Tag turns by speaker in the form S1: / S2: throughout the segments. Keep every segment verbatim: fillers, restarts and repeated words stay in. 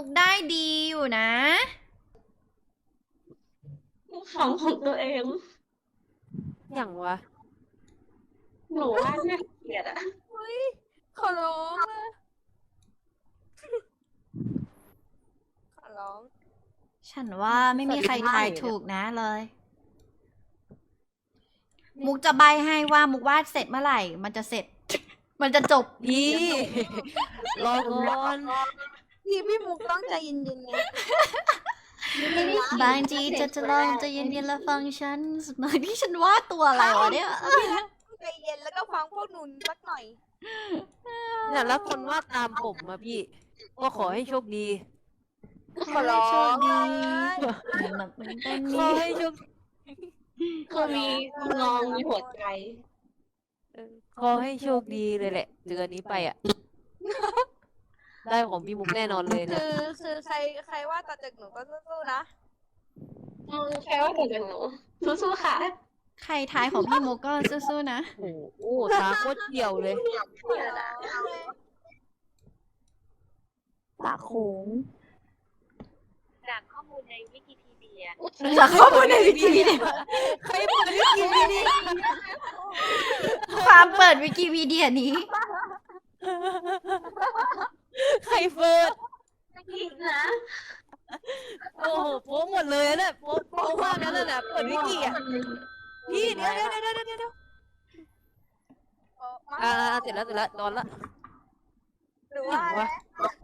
S1: มุกได้ดีอยู่นะ
S2: ของของตัวเอง
S3: อย่างวะ
S2: หนูว่าน่าเกลียดอะ
S3: เฮ้ยขอร้องเลยขอร้อง
S1: ฉันว่าไม่มีใครทายถูกนะเลย มุกจะใบให้ว่ามุกวาดเสร็จเมื่อไหร่ มันจะเสร็จ มันจะจบ
S3: พี่ รอก่อน
S4: พี่พี่มุกต้องใจเย็นๆไง
S1: บางทีจะจะลองจะเย็นๆแล้วฟังฉันบางที่ฉันวาดตัวอะไรวะเนี่ย
S4: ใจเย็นแล้วก็ฟังพวกหนูสักหน่อย
S3: เนี่ยแล้วคนวาดตามผมมาพี่ ก็ขอให้โชคดี
S4: ขอร้อง
S1: โชคดีหนักเป็นต้น
S3: ขอ
S1: นี้
S3: ให้โชค
S2: คือมีงองมีหัวใจ
S3: เออขอให้โชคดีเลยแหละเดือนนี้ไปอ่ะ ได้ของพี่มุกแน่นอนเลย
S4: คื
S3: เนี่ย
S4: อคือใครใครว่าต่อจากหนูก็สู้ๆนะ
S2: อืมแค่ว่าเกิดจากหนูสู้ๆค่ะ
S1: ใครทายของพี่มุกก็สู้ๆนะ
S3: โอ้โหตาโคตรเกี่ยวเลย
S4: ปากโค้ง
S5: จากข้อมูลในวิกิพีเดีย
S1: จากข้อมูลในวิกิพีเดีย
S3: ใครเปิดวิกิพีเดีย
S1: ความเปิดวิกิพีเดียนี้
S3: ใครเปิด
S2: ผิดนะ
S3: โอ้โหโป๊ะหมดเลยนะเนี่ยโป๊ะโป๊ะมากนั่นน่ะเปิดวิกิอ่ะพี่เดี๋ยวเดี๋ยวเดี๋ยวเดี๋ยวเดี๋ยว
S4: เออมา
S3: อ่าเสร็จแล้วเสร็จแล้วนอนละ
S4: หรือว่า
S3: ว่า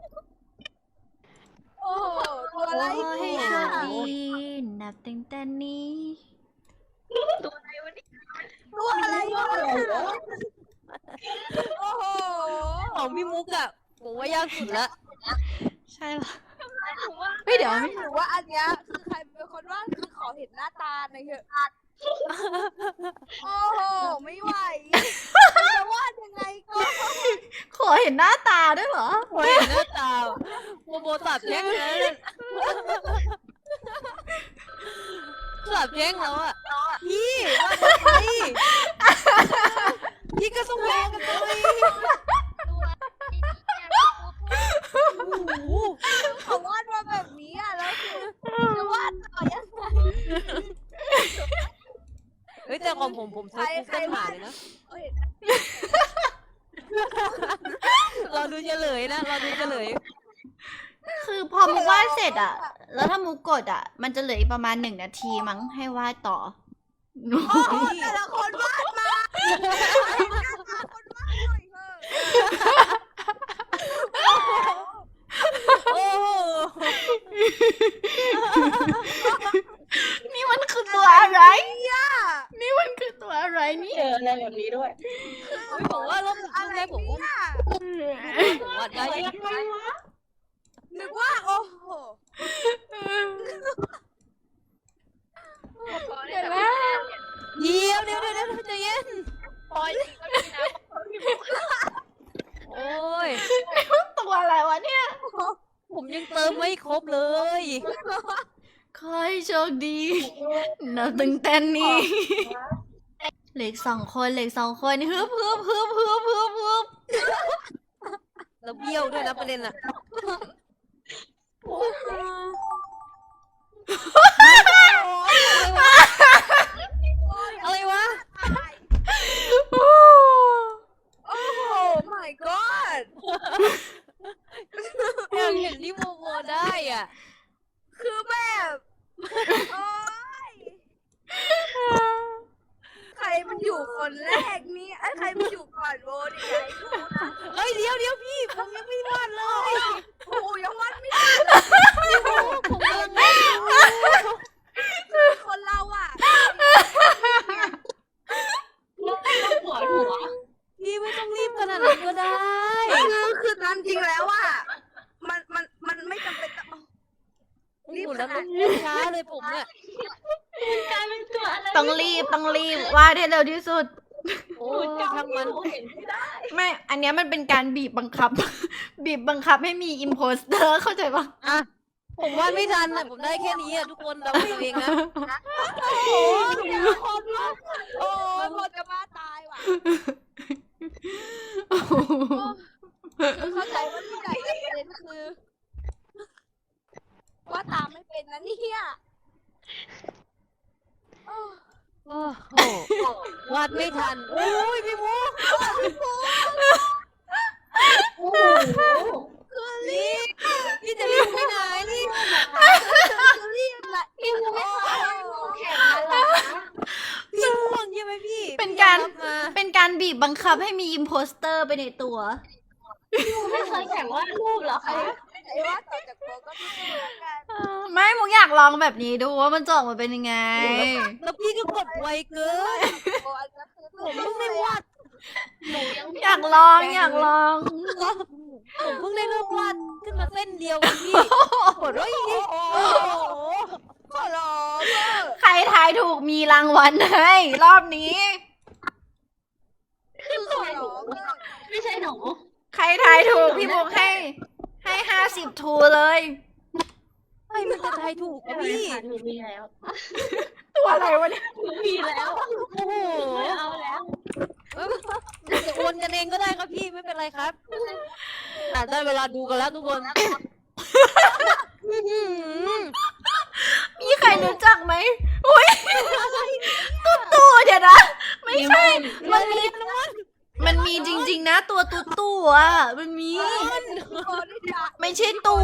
S4: โอ้โหตัวอะไร
S1: ขอให้
S4: เนี่ย
S1: โชคดีนับตั้งแต่นี้
S4: ตัวอะไรวะโอ้โห
S3: ของพี่มุกอ่ะผมว่ายากสุดละ
S1: ใช่เหรอเฮ้ยเดี๋ยวไม่
S4: หรือว่าอันเนี้ยคือใครเป็นคนวาดคือขอเห็นหน้าตาหน่อยเถอะโอ้โหไม่ไหวจะวาดยังไงก็
S1: ขอเห็นหน้าตาด้วยเหรอ
S3: โอ้ยหน้าตาโมโบตัดแย้งเลยนะตัดแย้งแล้วอ่ะพี่ว่าทำไมพี่ก็ต้องแรงกันเลยโอ้โห
S4: เขาวาดมาแบบนี้อ่ะแล้วคือจะวาดต่อยังไง
S3: เฮ้ยแต่ของผมผมเซิร์ชกูเกิลหาเลยนะ
S4: เอ้ย
S3: เราดูเฉลยนะเราดูเฉลย
S1: คือพอมุกวาดเสร็จอะแล้วถ้ามุกกดอะมันจะเหลืออีกประมาณหนึ่งนาทีมั้งให้วาดต่อ
S4: โอ้โหแต่ละคนวาดมาหน้าตาคนวาดหน่อยเถอะ
S3: โอ้โห
S1: นี่มันคือตัวอะไร
S4: เนี่ย
S1: นี่มันคือตัวอะไรนี่
S2: เจออะไรแบบนี้ด้วย
S3: เฮ้ยผมว่ารอบรอบแรกผมว่า
S4: เนี่ย
S3: ผมว่าได้
S2: ยังไงวะ
S4: นึกว่าโอ้โห
S1: เดี๋ยวนะ
S3: เดี๋ยวเดี๋ยวเดี๋ยวเดี๋ยวใจเย็น
S5: ปอยจริงก็มีนะ
S3: โอ้ย
S1: ตัวอะไรวะเนี่ย
S3: ผมยังเติมไม่ครบเลย
S1: ขอให้โชคดีนับตั้งแต่นี้เหล็กสองคนเหล็กสองคนฮึบฮึบฮึบฮึบฮึบฮึบ
S3: แล้วเบี้ยวด้วยนะประเด็นอะอะไรวะ
S4: โอ้โห my god
S3: อยากเห็นที่โมโมได้อ่ะ
S4: คือแบบโอ้ยใครมันอยู่คนแรกนี่ไอ้ยใครมันอยู่ก่อนโบดิไอ้กูนะ
S3: เฮ้ยเดี๋ยวเดี๋ยวพี่ผมยังไม่วาดเลย
S4: โอ้โหยังวัดไม่ได้เลย
S3: ผมกำลังวาดอยู่
S4: คือคนเราอ่ะ
S2: หัวหัว
S3: พี่ไม่ต้องรีบขนาดนั้นก็ได้
S4: คือคือตามจริงแล้วอ่ะมันมันมันไม่จำเป็นต้อง
S3: รีบแล้วต้องช้าเลยผมเนี่ย
S2: กลายเป็นตัวอะไร
S1: ต้องรีบต้องรีบวาดให้เร็วที่สุด
S3: โอ้ยช่างมัน
S2: เห็นไม่ได้
S1: ไม่ อันเนี้ยมันเป็นการบีบบังคับ บีบบังคับให้มีอิมโพสเตอร์เข้าใจปะ
S3: อ่ะผมวาดไม่ทันอ่ะผมได้แค่นี้อ่ะทุกคนเดาเอาเองนะ
S4: โอ้ยคนละโอ้ยพอจะมาตายว่ะ
S1: โอ้โห
S4: เข้าใจว่าที่ไหนแต่ประเด็นคือเป็นนะเนี่ยโอ้
S3: โอ้โหวาดไม่ทันโอ้ยพี่มุก
S2: โอ้โห
S3: นี่พี่จะรีบไปไหนนี่
S4: รีบละ
S2: พี่มุกไม่เคยแข่งมาเหรอคะ
S3: พี่ง่วงใช่ไหมพี่
S1: เป็นการ
S3: พี่ยอมบมา
S1: เป็นการบีบบังคับให้มีอิมโพสเตอร์ไปในตัว
S2: พี่มุกไม่เคยแข่งวาดรูปเหรอคะ
S4: ไอ้ว่าต่อจากโบก็ไม่รู้แล้วกัน
S1: เออไม่มุกอยากลองแบบนี้ดูว่ามันจะออกมาเป็นยังไง
S3: แล้วพี่ก็กดไวเกิน
S4: โบอันนั้นคือ
S3: ผมเพิ่งได้วาด
S2: หนูยัง
S1: อยากลองอยากลอง
S3: ผมเพิ่งได้เริ่มวาดขึ้นมาเส้นเดียวเองพี่กดว่าอย่างนี้โอ้โห
S4: ขอร้องเถอะ
S1: ใครทายถูกมีรางวัลให้รอบนี้
S2: ขึ้น
S4: ข
S2: ตั
S4: อ
S2: วหนู
S4: ร้องเถอะ
S2: ไม่ใช่หนู
S1: ใครทายถูกพี่มุกให้ ให้ห้าสิบทูเลย
S3: ไอ้มันจะทายถูกนะพี่
S2: หนูมีแล้ว
S1: ตัวอะไรวะเนี่ย
S2: หนูมีแล้ว
S3: โอ้โห
S2: ไม่เอาแล้ว
S3: เอ้ยจะโอนกันเองก็ได้ครับพี่ไม่เป็นไรครับอ่ะได้เวลาดูกันแล้วทุกคนอื้อหือ
S1: มีใครรู้จักไหมอุ้ยตุ๊ตู่เดี๋ยวนะ ไม่ใช่ มันมี มันมีจริง ๆ นะ ตัวตุ๊ตู่อ่ะ มันมี
S4: โบนี่จ้ะ
S1: ไม่ใช่ตู่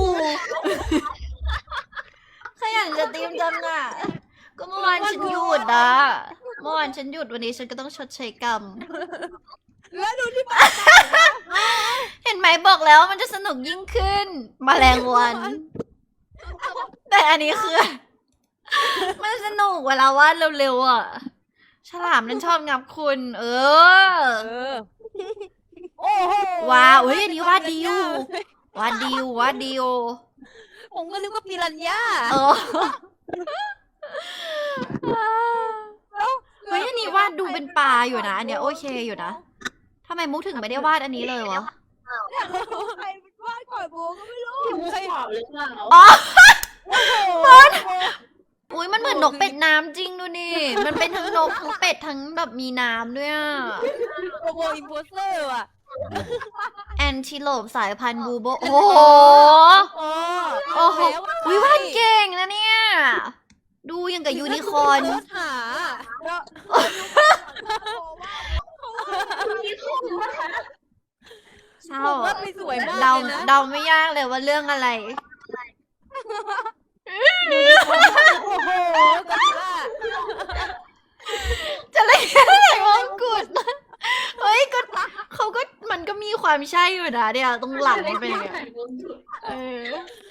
S1: ขยันจะตีมจังอ่ะ ก็เมื่อวานฉันหยุดอ่ะ เมื่อวานฉันหยุดวันนี้ฉันก็ต้องชดใช้กรรม
S4: แล้วดูที่บ้าน
S1: เห็นไหมบอกแล้วมันจะสนุกยิ่งขึ้นมแมลงวัน แต่อันนี้คือ มันสนุกเวลาวาดเร็วๆอ่ะ ฉลามนั่นชอบงับคุณ เออ
S3: เออโอ้โห
S1: ว้าวเฮ้ยอันนี้วาดดีอยู่ วาดดีอยู่วาดดีอยู่
S3: ผมก็นึกว่าปิรันย่า
S1: เออเฮ้ยอันนี้วาดดูเป็นปลาอยู่นะ อันเนี้ยโอเคอยู่นะทำไมมุกถึงไม่ได้วาดอันนี้เลยวะ
S4: ใครเป็นวาดก่อนโบก็ไม่รู้
S2: พี่มุกใครบอกหรือเปล่า
S1: อ๋อ
S3: บอล
S1: อุ้ยมันเหมือนนกเป็ดน้ำจริงดูนี่ มันเป็นทั้งนกทั้งเป็ดทั้งแบบมีน้ำด้วยอ่ะ
S3: โรโบอินโพสเตอร์ว่ะ
S1: แอนทิโลปสายพันธุ์บูโบ โอ้โห
S3: โอ้
S1: โอ้โหอุ้ยวาดเก่งนะเนี่ย ดูยังกับยูนิคอร์น
S3: เสิร์ชหา
S2: พี่มุกนะคะ
S1: เศร้า
S3: ผมว่าไปสวยมาก
S1: เดา
S3: เลยนะ
S1: เดาไม่ยากเลยว่าเรื่องอะไร
S3: โอ้โหกัลล่า
S1: จะเล่นอะไรวงกุฎเฮ้ยก็เขาก็มันก็มีความใช่อยู่นะเนี่ยตรงหลังมันเป็นอย่างเงี้ยเออ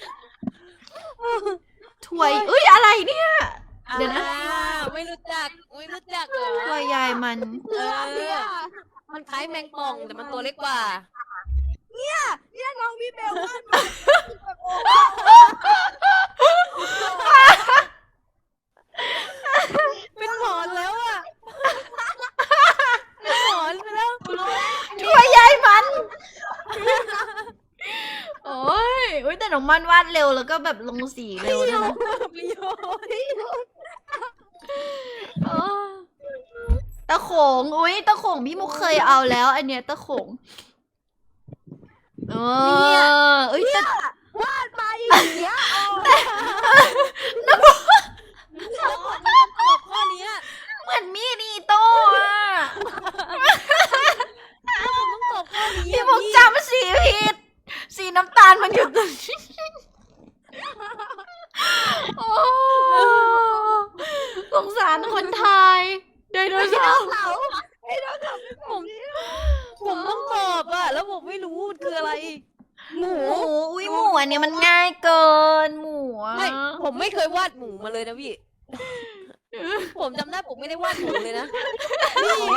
S1: ถวยเอ้ยอะไรเนี่ย เดี๋ยวนะ
S3: อ่าไม่รู้จัก ไม่รู้จักเหรอ
S1: ถวยยายมัน
S3: เออ มันคล้ายแมงป่องแต่มันตัวเล็กกว่า
S4: เนี่ยน้องพี่เบลวาดมาแบบโอ้
S3: เป็นหมอนแล้วอ่ะ เป็นหมอนไปแล้ว
S1: ถวยยายมัน โอ้ยอุ้ยแต่น้องมันวาดเร็วแล้วก็แบบลงสีเร็วด้วยนะ
S3: ประโยชน์
S1: เออตะโขงอุ้ยตะโขงพี่มุกเคยเอาแล้ว อันเนี้ยตะโขงเออเอ้ยแต่
S4: วาดมาอย่างเงี้ยโอ้
S3: ตอบข้อเนี้ย
S1: เหมือนมีดอีโต้อะ
S3: ผมต้องตอบข้อนี้
S1: พี่มุกจำสีผิด สีน้ำตาลมันอยู่ตรงนี้โอ้สงสารคนไทยไดโนเสาร์
S4: เขาไอ้น้องเขา
S3: ผมผมต้องตอบอ่ะ แล้วผมไม่รู้มันคืออะไร หมู
S1: หมูอุ้ยหมูอันเนี้ยมันง่ายเกินหมูอะ
S3: ไม่ ผมไม่เคยวาดหมูมาเลยนะพี่ ผมจำได้ผมไม่ได้วาดหมูเลยนะ นี่ไง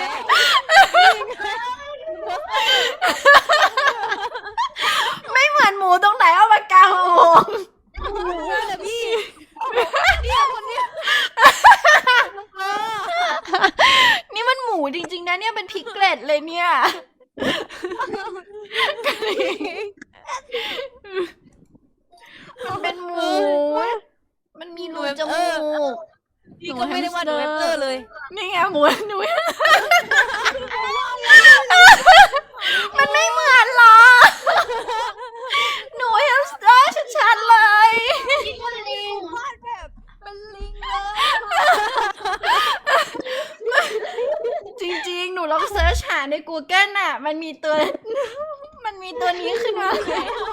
S1: ไม่เหมือนหมูตรงไหนเอาปากกามาโมง
S3: หมูนั่นแหละพี่เนี่ยคนเนี้ยเออ
S1: นี่มันหมูจริงๆนะเนี่ยเป็นพิกเกล็ดเลยเนี่ยมันเป็นหมู มันมีรูจมูก
S3: พี่ก็ไม่ได้วาดหนูแฮมสเตอร์เลย
S1: นี่ไงหมูหนู มันไม่เหมือนหรอ หนูแฮมสเตอร์ชัดๆเลย
S2: พี่คนเอง
S4: วาดไป
S1: ใน Google น่ะ มันมีตัว มันมีตัวนี้ขึ้นมา
S3: ไหนอะ